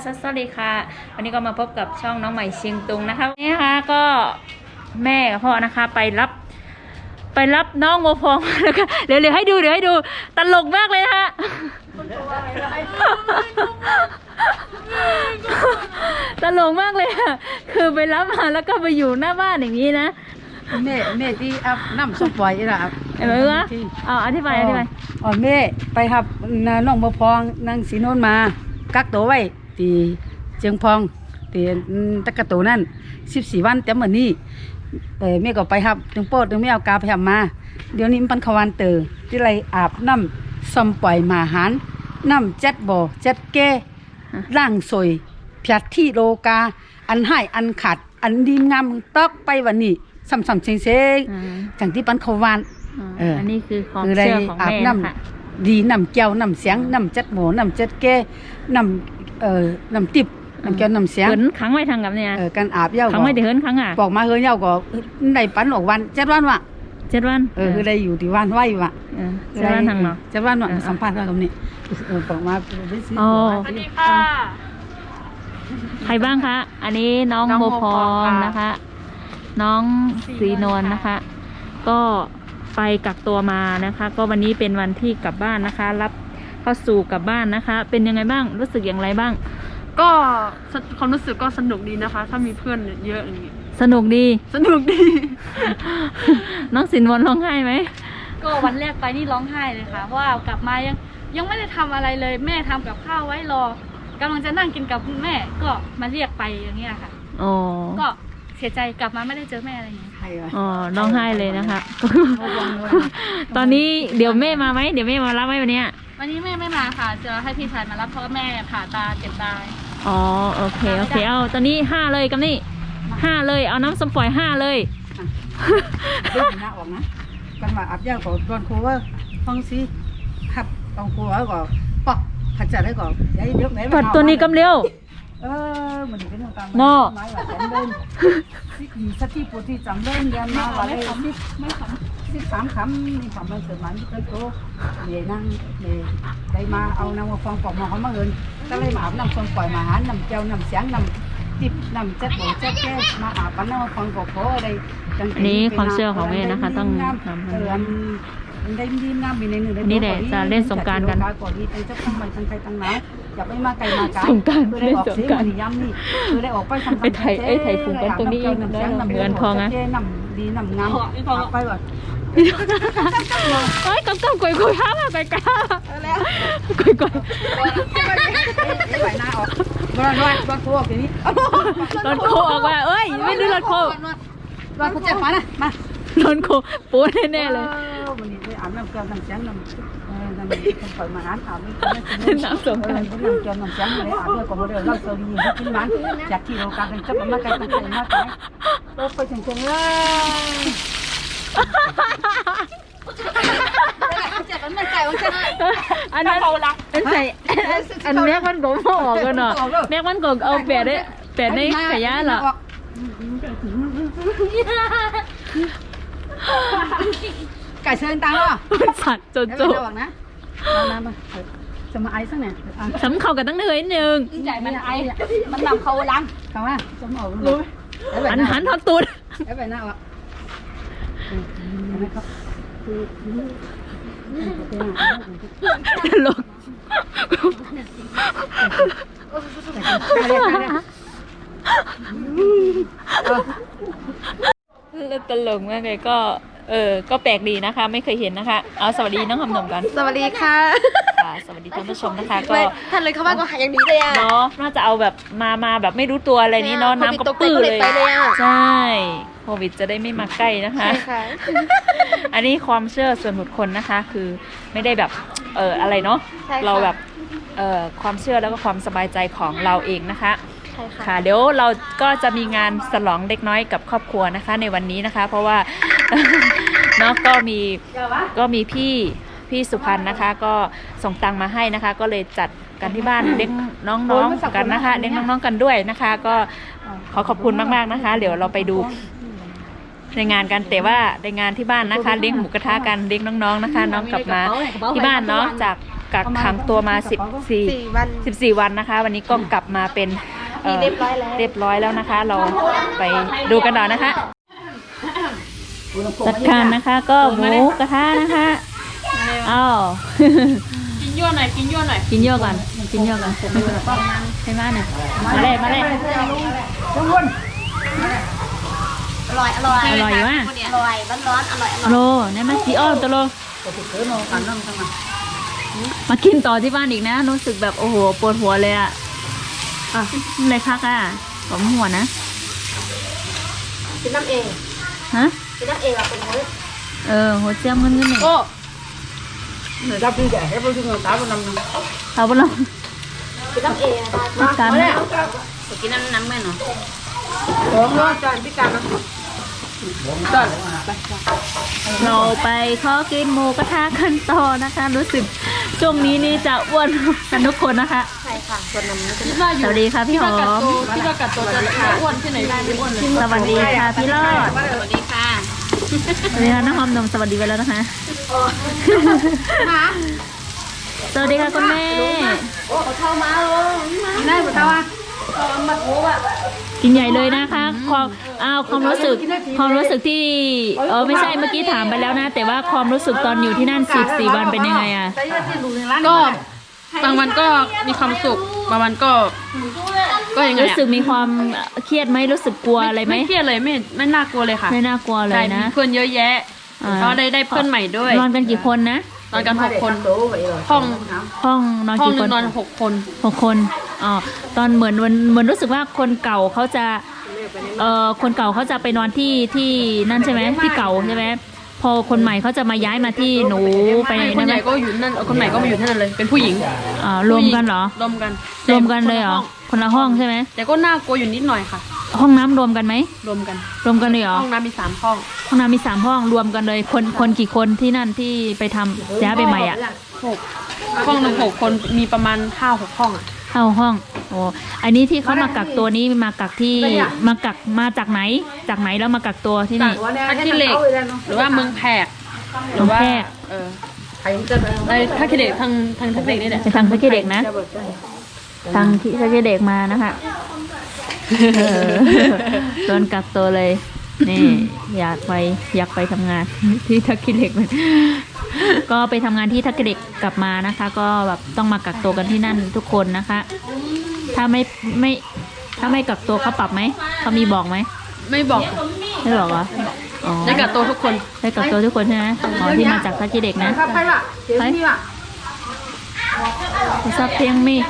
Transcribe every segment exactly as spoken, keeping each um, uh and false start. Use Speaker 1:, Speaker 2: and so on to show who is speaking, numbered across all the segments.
Speaker 1: สวัสดีค่ะวันนี้ก็มาพบกับช่องน้องใหม่เชียงตุงนะคะนี่นะคะก็แม่กับพ่อนะคะไปรับไปรับน้องโมพองแล้วก็เดี๋ยวเดี๋ยวให้ดูเดี๋ยวให้ดูตลกมากเลยนะคะตลกมากเลยค่ะคือไปรับมาแล้วก็ไปอยู่หน้าบ้านอย่างนี้นะ
Speaker 2: แม่แม่ที่อัพน้ำส้มปล่อยล่ะ
Speaker 1: เห็นไหมวะอ๋ออธิบายอธิบาย
Speaker 2: อ๋อแม่ไปครับน้องโมพองนางสีโนนมากักตัวไว้ตีเจียงพองตีตะกะตูนั่นสิบสี่วันแต่เมื่อนี้เออแม่ก็ไปครับถึงโป๊ดถึงไม่เอากาไปทำมาเดี๋ยวนี้มันขวันเตอที่ไรอาบน้ำส้มปล่อยมาหารน้ำเจ็ดบ่อเจ็ดแก่ร่างสวยเพียรที่โลกาอันให้อันขาดอันดีงามตอกไปวันนี้ซ้ำๆเซ็งๆจังที่ปันขวาน
Speaker 1: อันนี้คือความเชื่อของแม่ค่ะ
Speaker 2: ดีน้ำเจียวน้ำเสียงน้ำเจ็ดหมูน้ำเจ็ดแก่น้ำเอ่อน้ำติบน้ำเจียวน้ำเสียง
Speaker 1: เหินขังไว้ทางกับเนี่ย
Speaker 2: เออการอาบเย้า
Speaker 1: ขังไว้แต่เหินขังอ่ะ
Speaker 2: บอกมาเหินเย้าก็ได้ปันออกวันเจ็ดวันวะ
Speaker 1: เจ็ดวัน
Speaker 2: เออคือได้อยู่ที่วันไหววะ
Speaker 1: เจ็ดวันทางเนาะ
Speaker 2: เจ็ดวันวะสัมภาษณ์กันตรงนี้เออบอกมาไปซื้อ
Speaker 1: อ๋อสวัสดีค่ะใครบ้างคะอันนี้น้องโมพรนะคะน้องสีนวลนะคะก็ไปกักตัวมานะคะก็วันนี้เป็นวันที่กลับบ้านนะคะรับเข้าสู่กลับบ้านนะคะเป็นยังไงบ้างรู้สึกอย่างไรบ้าง
Speaker 3: ก็ความรู้สึกก็สนุกดีนะคะถ้ามีเพื่อนเยอะอย่างนี้
Speaker 1: สนุกดี
Speaker 3: สนุกดี
Speaker 1: น้องสินวลร้องไห้ไหม
Speaker 3: ก็วันแรกไปนี่ร้องไห้เลยค่ะเพราะว่ากลับมายังยังไม่ได้ทำอะไรเลยแม่ทำกับข้าวไว้รอกำลังจะนั่งกินกับแม่ก็มาเรียกไปอย่างเงี้ยค่ะ
Speaker 1: อ๋อ
Speaker 3: ก็เสียใจกลับมาไม่ได้เจอแม่อะไรอย่างเงี้ย
Speaker 1: อ๋อร้องไห้เลยนะคะตอนนี้เดี๋ยวแม่มาไหมเดี๋ยวแม่มารับไหมวันนี้
Speaker 3: วันนี้แม่ไม่มาค่ะจะให้พี่ชายมารับเพราะแม่ผ่าตาเจ็บตา
Speaker 1: อ๋อโอเคโอเคเอาตอนนี้ห้าเลยกับนี่ห้าเลยเอาน้ำส้มปล่อยห้าเลย
Speaker 2: เรื่องหน้าออกนะกันว่าอับย่างของตอนครูว่าฟังสิขับตอนครูว่าก็ปอกขัดจัดได้ก่อนยัยเดี๋ยวไหน
Speaker 1: ปัดตัวนี้กำเร็ว
Speaker 2: เออมันเป็นเรื่องการ
Speaker 1: นอ
Speaker 2: ไม้ว่าแสนเดินสิสักที่ปวดที่จำเดินเรียนมาว่าเลยสิไม่ขำสิสามคำนี่คำมันเกิดมันเกิดโตเดี๋ยวนั่งเดี๋ยวได้มาเอาน้ำมาฟองปอกมาเขามาเงินก็เลยมาอาบน้ำส้มปล่อยมาหาน้ำเจียวน้ำเสียงน้ำติบน้ำเจ็ดบ่เจ็ดแก่มาอาบปันน้ำมาฟองปอกโผล่อะไร
Speaker 1: อันนี้ความเชื่อของแม่นะคะต้องทำให้
Speaker 2: ได้ดีน้ำมีในหนึ่ง
Speaker 1: นี่แหละจะเล่นสงการกัน
Speaker 2: ก่อนนี้เป็นเจ้าของใหม่ทั้งใครทั้งน้ำอย่าไปมาไกลมาไกล
Speaker 1: สงการเล่นสงการ
Speaker 2: ย้ำนี่คือได้ออกไปทำ
Speaker 1: ไอ้ไทยไอ้ไทยฝูงกันตรงนี้เหมือนทองอ่ะ
Speaker 2: น้ำดีน้ำงามไปก่อน
Speaker 1: เฮ้ยกำกำกวยกวยห้ามาไปกล้ากวยกวย
Speaker 2: ไหวหน้าออกรถรถรถโค้งทีนี้
Speaker 1: รถโค้งออกมาเอ้ยไม่ดูรถโค้ง
Speaker 2: รถเขาเจ็บมานะมาร
Speaker 1: ถโค้งปูแน่ๆเลย
Speaker 2: วันนี้ไปอาบน้ำเกลือน้ำเสียงน้ำน้ำปล่อยมาหาอาบ
Speaker 1: น้ำสงการ
Speaker 2: น้ำเกลือน้ำเสียงเลยอาบเรื่องของเราเราเซอร์ดีที่กินมันจากที่เราการเป็นจับมาไกลตั้งใจมากเลยเราไปถึงจังเลย
Speaker 1: อันนั้นอันใส่อันแม็กมันผมออกกันเนาะแม็กมันก็เอาแปดได้แปดได้ขยะเหรอ
Speaker 2: ไก่เชิญตังค์เหรอ
Speaker 1: สัตว์โจโจ้
Speaker 2: นะมามาจะมาไอซ์สักหน่อย
Speaker 1: สำเข้ากันตั้งเนื้อหนึ่ง
Speaker 3: ใจมันไอมันนำเขาล้าง
Speaker 2: เขาว่าสมอเลย
Speaker 1: หันหันทอดตูด
Speaker 2: ไอ้ใบหน้าอ่ะ
Speaker 1: ตลกตลกมากเลยก็เออก็แปลกดีนะคะไม่เคยเห็นนะคะเอาสวัสดีน้องคำหนุ่มกัน
Speaker 3: สวัสดีค่ะ
Speaker 1: สวัสดีท่านผู้ชมนะคะก็
Speaker 3: ท่านเลยเขาว่าก็หายอย่างนี้เลยอ่ะ
Speaker 1: เนาะน่าจะเอาแบบมามาแบบไม่รู้ตัวอะไรนี้เนาะน้ำก็ปื้อเลยใช่โควิดจะได้ไม่มาใกล้นะคะอันนี้ความเชื่อส่วนบุคคลนะคะคือไม่ได้แบบเอออะไรเนาะเราแบบเออความเชื่อแล้วก็ความสบายใจของเราเองนะคะค่ะเดี๋ยวเราก็จะมีงานฉลองเล็กน้อยกับครอบครัวนะคะในวันนี้นะคะเพราะว่าเนาะก็มีก็มีพี่พี่สุพรรณนะคะก็ส่งตังมาให้นะคะก็เลยจัดกันที่บ้านเลี้ยงน้องๆกันนะคะเลี้ยงน้องๆกันด้วยนะคะก็ขอขอบคุณมากๆนะคะเดี๋ยวเราไปดูในงานกันแต่ว่าในงานที่บ้านนะคะเลี้ยงหมูกระทะกันเลี้ยงน้องๆนะคะน้องกลับมาที่บ้านเนาะจากกักขังตัวมาสิบสี่
Speaker 4: วัน
Speaker 1: สิบสี่วันนะคะ วันนี้ก็กลับมาเป็นเอ่อ
Speaker 4: เรียบร้อยแล้ว
Speaker 1: เรียบร้อยแล้วนะคะ เราไปดูกันต่อนะคะจัดการนะคะก็หมูกระทะนะคะอ้าว
Speaker 3: กินยั่วหน่อยกินยั่วหน่อย
Speaker 1: กินเยอะก่อนกินเยอะก่อนใช่ไหมเนี่ยมาเลยมาเลย
Speaker 4: อร่อยอร่อย
Speaker 1: อร่อยอยู่ว่ะ
Speaker 4: อร่อยร้อนๆอร่อยอร่อย
Speaker 1: โลเนี่ยมาสีอ้อมตัวโลมากินต่อที่บ้านอีกนะรู้สึกแบบโอ้โหปวดหัวเลยอ่ะอ่ะอะไรพักอ่ะผมหัวนะ
Speaker 4: กินน้ำเอง
Speaker 1: ฮะ
Speaker 4: กินน้ำเองอะเป็นคน
Speaker 1: เออหัวเจียมเงินเงินหนึ่ง
Speaker 2: โอ้เนี่ยรับดีแต่ให้เราถึงตาบนน้ำนึง
Speaker 1: เอาไปลอง
Speaker 4: กินน้ำเองได้
Speaker 1: การ
Speaker 4: กินน้ำน้ำไม่เนาะ
Speaker 2: สองร้อยจานพิการนะจาน
Speaker 1: เราไปขอกินหมูกระทะกันต่อนะคะ รู้สึกช่วงนี้นี่จะอ้วนกันทุกคนนะคะ
Speaker 4: ใช่ค่ะส่วนน้ำ
Speaker 3: คิดว่าอ
Speaker 1: ส
Speaker 3: ยู่
Speaker 1: วัสดีค่ะพี่หอม
Speaker 3: คิดว่ากัดตัวจะอ้วนที่ไหนได้ไม่อ้วนเลย
Speaker 1: สวัสดีค่ะพี่รอด
Speaker 4: สวัสดีค่ะ
Speaker 1: สวัสดีค่ะน้องหอมนมสวัสดีไปแล้วนะคะสวัสดีค่ะคุณแม่
Speaker 2: ได้หมดแล้วอ่ะ
Speaker 1: กินใหญ่เลยนะคะความอ้าวความรู้สึกความรู้สึกที่เออไม่ใช่เมื่อกี้ถามไปแล้วนะ แต่ว่าความรู้สึกตอนอยู่ที่นั่นสิบสี่วันเป็นยังไงอะ
Speaker 3: ก็บางวันก็มีความสุขบางวันก็ก็ยังไง
Speaker 1: รู้สึกมีความเครียดไหมรู้สึกกลัวอะไรไหม
Speaker 3: ไม่เครียดเลยไม่ไม่น่ากลัวเลยค่ะ
Speaker 1: ไม่น่ากลัวเล
Speaker 3: ใช่
Speaker 1: ย
Speaker 3: มี
Speaker 1: นะ
Speaker 3: เพื่อนเยอะแยะ
Speaker 1: อ่า
Speaker 3: ก็ได้ได้เพื่อนใหม่ด้วย
Speaker 1: นอนกันกี่คนนะ
Speaker 3: นอนกันหกคนห้อง
Speaker 1: ห้องนอน
Speaker 3: ห้อง
Speaker 1: กี่
Speaker 3: ห
Speaker 1: ค
Speaker 3: นึ
Speaker 1: น
Speaker 3: งนอนหกคน
Speaker 1: หกคนอ๋อตอนเหมือนเหมือนเหมือนรู้สึกว่าคนเก่าเขาจะเอ่อคนเก่าเขาจะไปนอนที่ที่นั่นใช่ไหมที่เก่าใช่ไหมพอคนใหม่เขาจะมาย้ายมาที่หนูไป
Speaker 3: ไม่ค
Speaker 1: นั่
Speaker 3: น
Speaker 1: น
Speaker 3: ให
Speaker 1: ไหม
Speaker 3: ญ่ก็อยู่นั่นคนใหม่ก็มาอยู่ที่นั่นเลยเป็นผู้หญิง
Speaker 1: อ่ารวมกันเหรอ
Speaker 3: รวมกัน
Speaker 1: รวมกันเลยเหรอคนละห้องใช่ไหม
Speaker 3: แต่ก็น่ากลัวอยู่นิดหน่อยค่ะ
Speaker 1: ห้องน้ำรวมกันไหม
Speaker 3: รวมกัน
Speaker 1: รวมกันเลยเหรอ
Speaker 3: ห้องน้ำมีสามห้อง
Speaker 1: ห้องน้ำมีสามห้องรวมกันเลยคนคนกี่คนที่นั่นที่ไปทำย้ายไปใหม่อ่ะ
Speaker 3: หกห้องหนึ่งหกคนมีประมาณห้าหกห้องอ่ะ
Speaker 1: เข้าห้องโอ้อันนี้ที่เขามากักตัวนี้มากักที่มากักมาจากไหนจากไหนแล้วมากักตัวที่นี่
Speaker 3: ท่าขี้เหล็กหรือว่าเมืองแพกหรือว่า
Speaker 1: เมืองแพรก
Speaker 3: เออไอ้ท่าขี้เหล็กทางทางท่าขี้เหล็กนี่แหละ
Speaker 1: ไปทางพระเกเด็กนะทางที่พระเกเด็กมานะคะเออโดนกักตัวเลย นี่ อยากไปอยากไปทำงาน ที่ทักกิเหล็กมันก็ไปทำงานที่ทักกิเหล็กกลับมานะคะ ก็แบบต้องมากักตัวกันที่นั่นทุกคนนะคะ ถ้าไม่ไม่ถ้าไม่กักตัวเขาปรับไหมเขามีบอกไหม
Speaker 3: ไม่บอก
Speaker 1: ไม่บอกเหรออ๋อ
Speaker 3: ได้กับตัวทุกคน
Speaker 1: ได้กักตัวทุกคนใช่ไหมอ๋อที่มาจากทักกิเหล็กนะ
Speaker 2: ไปละเดี๋ยวนี่ว่ะ
Speaker 1: ซับเพียงมี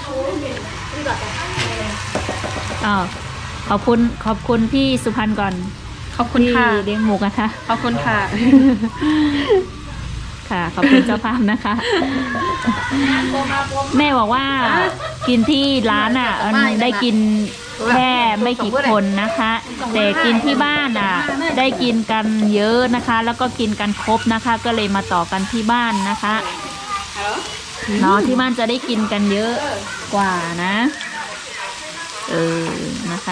Speaker 1: อ้าวขอบคุณขอบคุณพี่สุพรรณก่อน
Speaker 3: ขอบคุณ
Speaker 1: ที่
Speaker 3: ค่ะ
Speaker 1: เลี้ยงหมูกระทะ
Speaker 3: ขอบคุณค่ะ
Speaker 1: ค่ะ ขอบคุณเจ้าภาพนะคะ แม่บอกว่ากินที่ร้านอ่ะเออได้กินแค่ไม่กี่คนนะคะ แต่กินที่บ้านอ่ะ ได้กินกันเยอะนะคะ แล้วก็กินกันครบนะคะ ก็เลยมาต่อกันที่บ้านนะคะเนาะที่บ้านจะได้กินกันเยอะกว่านะ เออนะคะ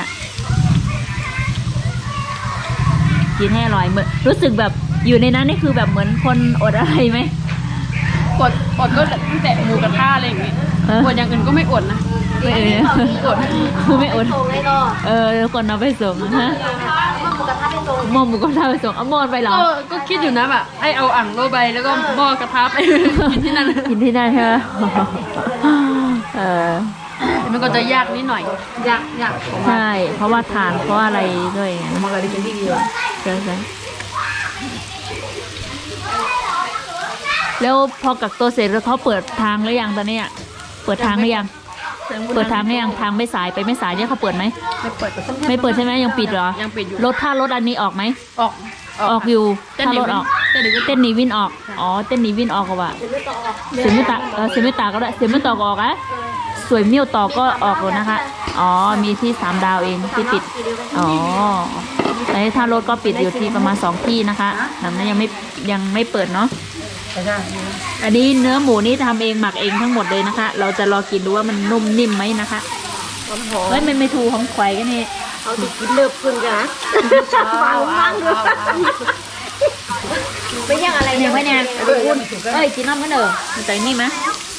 Speaker 1: กินให้อร่อยเหมือนรู้สึกแบบอยู่ในนั้นนี่คือแบบเหมือนคนอดอะไรไหม
Speaker 3: อดอดก็ตั้งแต่หมูกระทะอะไรอย่างเงี้ย
Speaker 1: เออ
Speaker 3: อดอย่างอื่นก็ไม่อดนะ
Speaker 1: ไม่เออ
Speaker 3: อด
Speaker 1: คือไม่อด
Speaker 4: โตเลยก็
Speaker 1: เออทุกคนเอาไปส่งฮะ
Speaker 4: มาหมูกระทะเป็นโต
Speaker 1: หมอหมูก็ทำไปส่งเอาหมอนไปเหรอ
Speaker 3: ก็ก็คิดอยู่นะแบบให้เอาอ่างโลใบแล้วก็หม้อกระทะไป กินที่นั่น
Speaker 1: กินที่นั่นใช่ไหมเออ
Speaker 3: แต่มันก็จะยากนิดหน่อย
Speaker 2: อยากอยาก
Speaker 1: ใช่ เพราะว่าทานเพราะอะไรด้วยไง
Speaker 2: มันก็ได้กินที่ดีว่ะ
Speaker 1: ใช่ใช่แล้วพอกักตัวเสร็จแล้วเขาเปิดทางหรือยังตอนนี้อะเปิดทางหรือยัง เปิดทางหรือยังทางไม่สายไปไม่สายเนี่ยเขาเปิดไหม
Speaker 3: ไม่เปิด
Speaker 1: ไม่เปิดใช่ไหมยังปิดเหรอ
Speaker 3: ยังปิดอยู่
Speaker 1: รถถ้ารถอันนี้ออกไหม
Speaker 3: ออก
Speaker 1: ออกอยู่
Speaker 3: เต้น
Speaker 1: ถ้า
Speaker 3: หนี
Speaker 1: รถ
Speaker 3: วิน
Speaker 1: ออก
Speaker 3: เต้นหนีวิน
Speaker 1: เต้นหนีวินออก อ๋อ เต้นหนีวินออกก็ว่าเสียไม่ตาเออเสียไม่ตาก็ได้เสียไม่ต่อก็ออกอะสวยเมี่ยวต่อก็ออกเลยนะคะ อ๋อ มีที่สามดาวเองที่ปิด อ๋อแต่ถ้ารถก็ปิดอยู่ที่ประมาณสองที่นะคะนั้นยังไม่ยังไม่เปิดเนาะ
Speaker 2: แต่ถ้า
Speaker 1: อันนี้เนื้อหมูนี่ทำเองหมักเองทั้งหมดเลยนะคะ เราจะรอกินดูว่ามันนุ่มนิ่มไหมนะคะเฮ้ยมันไม่ถูของไข่กันนี่
Speaker 4: เอาติกินเลิบพึ่งกันนะฟังฟังดูไม่ยังอะไร
Speaker 1: ยังไม่เนี่ยเอ้ยกินน้ำกันเด้อมันใจนี่ไหม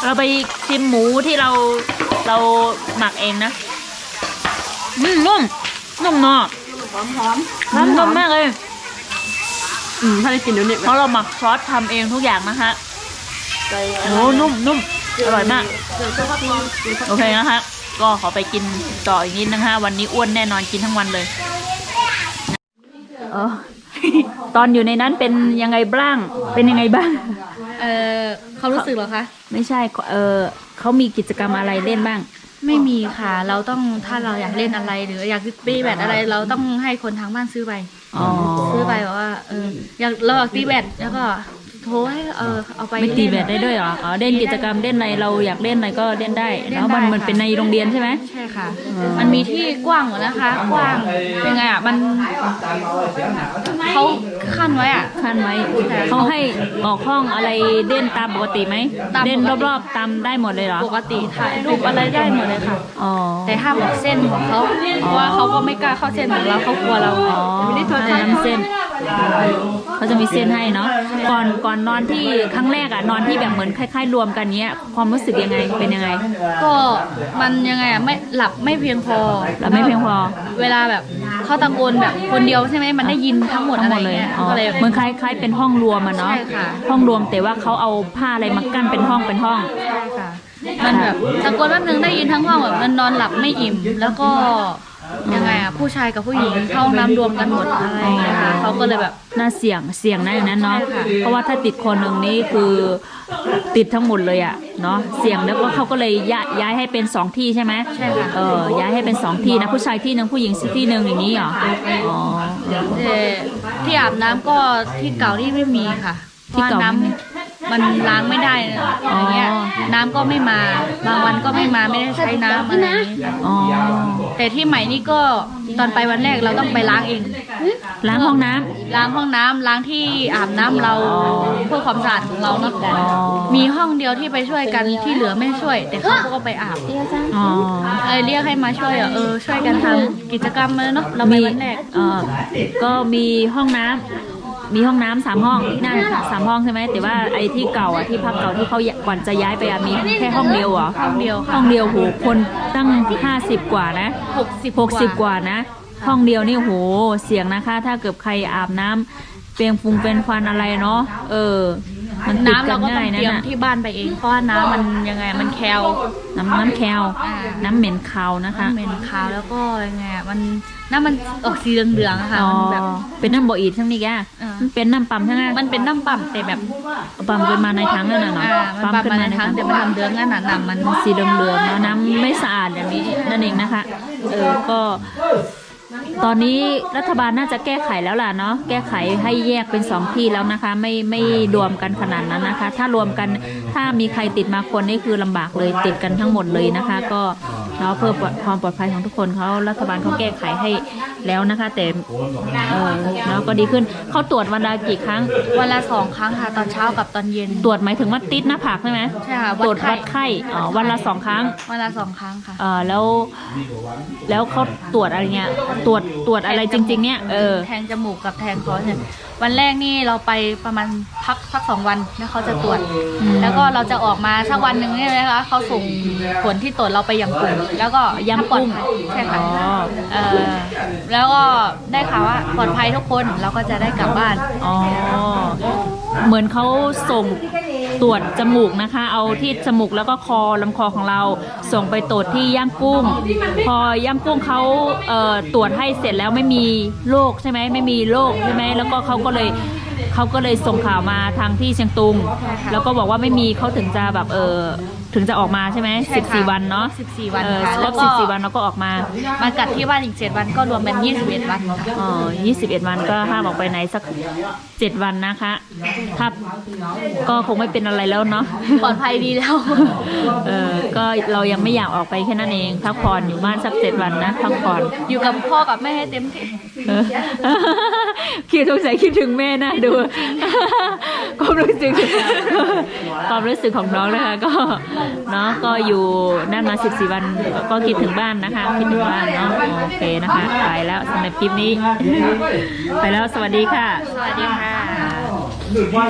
Speaker 1: เราไปชิมหมูที่เราเราหมักเองนะอืมนุ่มนุ่มเนาะ
Speaker 4: หอมหอม
Speaker 1: นุ่มมากเลย
Speaker 4: อืมถ้าได้กินเดี๋ยวนี้
Speaker 1: เพราะเราหมักซอสทำเองทุกอย่างนะคะโอ้นุ่มนุ่มอร่อยมากโอเคนะคะก็ขอไปกินต่ออีกนิดนะคะวันนี้อ้วนแน่นอนกินทั้งวันเลยเออ ตอนอยู่ในนั้นเป็นยังไงบ้างเป็นยังไงบ้าง
Speaker 3: เออเขารู้สึกเหรอคะ
Speaker 1: ไม่ใช่เออเขามีกิจกรรมอะไรเล่นบ้าง
Speaker 3: ไม่มีค่ะ เราต้องถ้าเราอยากเล่นอะไรหรืออยากตีแบดอะไร เราต้องให้คนทางบ้านซื้อไป
Speaker 1: อ๋อ
Speaker 3: ซื้อไปบอกว่าเอออยากเราอยากตีแบดแล้วก็โทรให้เออเอาไป
Speaker 1: ไม่ตีแบ
Speaker 3: เล่
Speaker 1: ด
Speaker 3: น
Speaker 1: ได้ด้วยเหรออ๋อเล่นกิจกรรมเล่นอะไรเราอยากเล่นอะไรก็เล่นได้
Speaker 3: เล่น
Speaker 1: แล้วมัน
Speaker 3: ได้
Speaker 1: มัน
Speaker 3: ค่ะ
Speaker 1: เป็นในโรงเรียนใช่ไหม
Speaker 3: ใช่ค่ะ
Speaker 1: อ๋อ
Speaker 3: มันมีที่กว้างหมดนะคะ กว้างเป็นไงอ่ะมันเขาขั้นไว้อ่ะ
Speaker 1: ขั้นไว้เขาให้ออกห้องอะไรเล่นตามปกติไหม
Speaker 3: ตามปกติ
Speaker 1: เล่นรอบๆตามได้หมดเลยเหรอ
Speaker 3: ปกติถ่ายรูปอะไรได้หมดเลยค่ะ
Speaker 1: อ๋อ
Speaker 3: แต่ห้ามออกเส้นของเขาเพราะว่าเขาก็ไม่กล้าเข้าเส้นของเราเขากลัวเรา
Speaker 1: อ๋อให้น้ำเส้นเขาจะมีเส้นให้เนาะก่อนก่อนนอนที่ครั้งแรกอะนอนที่แบบเหมือนคล้ายๆรวมกันเนี้ยความรู้สึกยังไงเป็นยังไง
Speaker 3: ก็มันยังไงอ่ะไม่หลับไม่เพียงพอ
Speaker 1: หลับไม่เพียงพอ
Speaker 3: เวลาแบบเขาตะโกนแบบคนเดียวใช่ไหมมันได้ยินทั้งหมด
Speaker 1: ทั้
Speaker 3: อะ
Speaker 1: งห
Speaker 3: ไร
Speaker 1: มดเลย
Speaker 3: เงี้ย
Speaker 1: อ๋อ
Speaker 3: ก็เลย
Speaker 1: เหมือนคล้ายคล้ายเป็นห้องรวมอะเนาะ
Speaker 3: ใช่ค่ะ
Speaker 1: ห้องรวมแต่ว่าเขาเอาผ้าอะไรมากั้นเป็นห้องเป็นห้อง
Speaker 3: ใช่ค่ะ มันแบบตะโกนแป๊บนึงได้ยินทั้งห้องแบบมันนอนหลับไม่อิ่ม แล้วก็ยังไงอ่ะผู้ชายกับผู้หญิงเข้าห้องน้ำรวมกันหมดอะไรอย่างเงี้ยค่ะเขาก็เลยแบบ
Speaker 1: น่าเสี่ยงเสี่ยงนะอย่างนั้นเนาะ
Speaker 3: ใช่ค่ะ
Speaker 1: เพราะว่าถ้าติดคนหนึ่งนี่คือติดทั้งหมดเลยอะเนาะเสี่ยงแล้วก็เขาก็เลยย้ายย้ายให้เป็นสองที่ใช่ไหม
Speaker 3: ใช่ค่ะ
Speaker 1: เออย้ายให้เป็นสองที่นะผู้ชายที่หนึ่งผู้หญิงที่หนึ่งอย่างนี้เหรออ๋อ
Speaker 3: แต่ที่อาบน้ำก็ที่เก่าที่ไม่มีค่ะ
Speaker 1: ที่เก่า
Speaker 3: พระ
Speaker 1: ไม่มี
Speaker 3: น้ำมันล้างไม่ได้นะอย่างเงี้ย
Speaker 1: อ๋อ
Speaker 3: น้ำก็ไม่มาบางวันก็ไม่มาไม่ได้ใช้น้ำอะไรอย่างงี้ค่ะ
Speaker 1: อ๋อ
Speaker 3: แต่ที่ใหม่นี่ก็ตอนไปวันแรกเราต้องไปล้างเอง
Speaker 1: ล้างห้องน้ำ
Speaker 3: ล้างห้องน้ำล้างที่อาบน้ำเราเพื่อความสะอาดของเราเนาะ
Speaker 1: อ๋อ
Speaker 3: มีห้องเดียวที่ไปช่วยกันที่เหลือไม่ช่วย แต่เขาก็ไปอาบ
Speaker 1: อ๋อ
Speaker 3: เออเรียกให้มาช่วยอ่ะเออช่วยกันทำกิจกรรมเลยเนาะเราไปวันแรก
Speaker 1: เออก็มีห้องน้ำมีห้องน้ำสามห้องที่นั่นสามห้องใช่ไหมแต่ว่าไอ้ที่เก่าอ่ะที่พักเก่าที่เขาก่อนจะย้ายไปอ่ะมีแค่ห้องเดียวเหรอ
Speaker 3: ห้องเดียว
Speaker 1: ห้
Speaker 3: ค่ะ
Speaker 1: องเดียวโหคนตั้งห้าสิบกว่านะ
Speaker 3: หกสิบ
Speaker 1: หกสิบกว่านะ ห้องเดียวนี่โหเสียงนะคะ ถ้าเกิดใครอาบน้ำเปลียงฟุงเป็นควันอะไรเนาะเออ มันติด
Speaker 3: น้ำ
Speaker 1: กั
Speaker 3: เรา
Speaker 1: น
Speaker 3: ก็ต้อ
Speaker 1: ง่าง ย
Speaker 3: เต
Speaker 1: นะ
Speaker 3: รียม
Speaker 1: น่ะ
Speaker 3: ที่บ้านไปเองเพราะว่าน้ำมันยังไงมันแคล
Speaker 1: น้ำน้ำแคล
Speaker 3: อ่า
Speaker 1: น้ำเหม็นคาวนะคะ
Speaker 3: น้ำเหม็นคาวแล้วก็ยังไงอะมันน้ำมันออกสีเหลืองๆอะค่ะ
Speaker 1: อ๋อ
Speaker 3: มันแบบ
Speaker 1: เป็นน้ำบ่ออีดทั้งนี้แก
Speaker 3: อ่ามั
Speaker 1: มันเป็นน้ำปั๊มทั้งนั้น
Speaker 3: มันเป็นน้ำปั่มแต่แบบ
Speaker 1: ปั๊มขึ้นมาในถังนั่นน่ะเนาะ
Speaker 3: อ่ามันปั่มมาในถังแต่มันทำเหลืองนั่นน่ะน้ำมัน
Speaker 1: สีเหลืองๆเนาะน้ำไม่สะอาดอย่างนี้นั่นเองนะคะ เออก็ ตอนนี้รัฐบาลน่าจะแก้ไขแล้วล่ะเนาะแก้ไขให้แยกเป็นสองที่แล้วนะคะ ไม่ไม่รวมกันขนาดนั้นนะคะ ถ้ารวมกันถ้ามีใครติดมาคนนี่คือลำบากเลยติดกันทั้งหมดเลยนะคะ ก็เนาะเพื่อความปลอดภัยของทุกคนเขารัฐบาลเขาแก้ไขให้แล้วนะคะ แต่เออเนาะก็ดีขึ้นเขาตรวจวันละกี่ครั้ง
Speaker 3: วันละสองครั้งค่ะตอนเช้ากับตอนเย็น
Speaker 1: ตรวจหมายถึงว่าติดหน้าผากใช่ไหม
Speaker 3: ใช่ค่ะ
Speaker 1: ตรวจ
Speaker 3: ไข้
Speaker 1: วัดไข้อ๋อวันละสองครั้ง
Speaker 3: วันละสองครั้งค่ะ
Speaker 1: เออแล้ว แล้วเขาตรวจอะไรเงี้ยตรวจตรวจอะไรจริง ๆ เนี่ยเออ
Speaker 3: แทงจมูกกับแทงคอเนี่ยวันแรกนี่เราไปประมาณพักพักสองวันแล้วเขาจะตรวจ
Speaker 1: อืม
Speaker 3: แล้วก็เราจะออกมาสักวันหนึ่งเนี่ยนะคะเขาส่งผลที่ตรวจเราไปยังกลุ่มแล้วก็
Speaker 1: ยัง
Speaker 3: ปลอด
Speaker 1: กุ้ง
Speaker 3: ภัยใช่ค่ะ
Speaker 1: อ๋อ
Speaker 3: เออแล้วก็ได้ข่าวว่าปลอดภัยทุกคนเราก็จะได้กลับบ้าน
Speaker 1: อ๋อ เหมือนเขาส่งตรวจจมูกนะคะ เอาที่จมูกแล้วก็คอลำคอของเราส่งไปตรวจที่ย่างกุ้ง พอย่างกุ้งเขาเอ่อตรวจให้เสร็จแล้วไม่มีโรคใช่ไหมไม่มีโรคใช่ไหมแล้วก็เขาก็เลยเขาก็เลยส่งข่าวมาทางที่เชียงตุง แล้วก็บอกว่าไม่มีเขาถึงจะแบบเออถึงจะออกมาใช่ไหม
Speaker 3: ใช่
Speaker 1: สิบ
Speaker 3: ค่ะ
Speaker 1: สี่วันเนาะ
Speaker 3: สิบสี่วัน
Speaker 1: เออ
Speaker 3: ค่ะ
Speaker 1: คร
Speaker 3: แล้
Speaker 1: บ
Speaker 3: วก็
Speaker 1: สิบสี่วันแล้วก็ออกมา
Speaker 3: มากัดที่บ้านอีกเจ็ดวันก็รวมเป็นยี่สิบเอ็ดวันค่ะ
Speaker 1: อ๋อยี่สิบเอ็ดวันก็ห้ามออกไปไหนสักเจ็ดวันนะคะ ถ้าก็คงไม่เป็นอะไรแล้วเนาะ
Speaker 3: ปลอดภัยดีแล้ว
Speaker 1: เออก็เรายังไม่อยากออกไปแค่นั้นเองพักผ่อนอยู่บ้านสักเจ็ดวันนะพักผ่อน
Speaker 3: อยู่กับพ่อกับแม่ให้เต็มที่
Speaker 1: เออ คิดสงสัยคิดถึงแม่นะดู ความรู้สึก ความรู้สึกของน้องนะคะ ก็เนาะก็อยู่นั่นมาสิบสี่วันก็คิดถึงบ้านนะคะ คิดถึงบ้านเนาะโอเคนะคะ ไปแล้วสำหรับคลิปนี้ ไปแล้วสวัสดีค่ะ
Speaker 3: สวัสดีค่ะ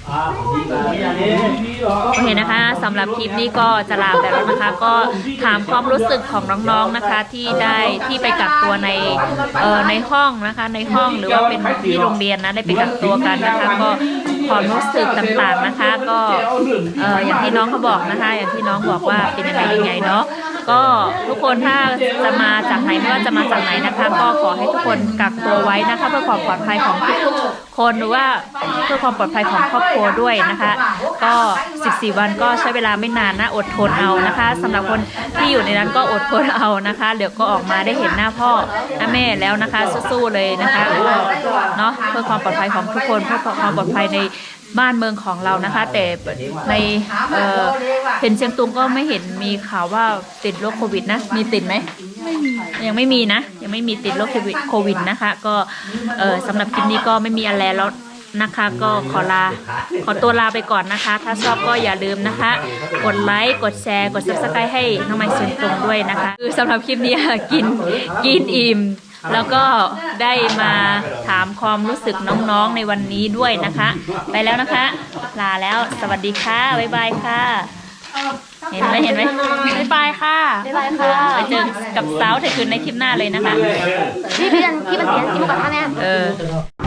Speaker 1: โอเคนะคะสำหรับคลิปนี้ก็จะลาไปแล้วนะคะ ก็ถามความรู้สึกของน้องๆนะคะ ที่ได้ที่ไปกักตัวในเอ่อในห้องนะคะในห้องหรือว่าเป็นที่โรงเรียนนะได้ไปกักตัวกันนะคะ ก็ความรู้สึกต่างๆนะคะ ก็เอ่ออย่างที่น้องเขาบอกนะคะ อย่างที่น้องบอกว่าเป็นยังไงยังไงเนาะก็ทุกคนถ้าจะมาจากไหนไม่ว่าจะมาจากไหนนะคะ ก็ขอให้ทุกคนกักตัวไว้นะคะ เพื่อความปลอดภัยของทุกๆคนหรือว่าเพื่อความปลอดภัยของครอบครัวด้วยนะคะ ก็สิบสี่วันก็ใช้เวลาไม่นานนะอดทนเอานะคะสำหรับคนที่อยู่ในนั้นก็อดทนเอานะคะเดี๋ยวก็ออกมาได้เห็นหน้าพ่อหน้าแม่แล้วนะคะสู้ๆเลยนะคะเนาะเพื่อความปลอดภัยของทุกคนเพื่อความปลอดภัยในบ้านเมืองของเรานะคะ แต่ในเอ่อเห็นเชียงตุงก็ไม่เห็นมีข่าวว่าติดโรคโควิดนะมีติดไหมไม่มียังไม่มีนะยังไม่มีติดโรคโควิดนะคะก็เออสำหรับคลิปนี้ก็ไม่มีอะไรแล้วนะคะก็ขอลาขอตัวลาไปก่อนนะคะ ถ้าชอบก็อย่าลืมนะคะกดไลค์กดแชร์กด ซับสไครบ์ ให้น้องไมค์เชียงตุงด้วยนะคะคือสำหรับคลิปนี้กินกินอิ่มแล้วก็ได้มาถามความรู้สึกน้องๆในวันนี้ด้วยนะคะ ไปแล้วนะคะลาแล้วสวัสดีค่ะบ๊ายบายค่ะเห็นไหมเห็นไหมบ๊ายบายค่ะ
Speaker 4: บ๊ายบายค่ะ
Speaker 1: ไปเจอกับสาวเธอคืนในคลิปหน้าเลยนะคะ
Speaker 4: พี่เพียนพี่เป็นเสียงกินหมูกระทะเนี่ย
Speaker 1: เออ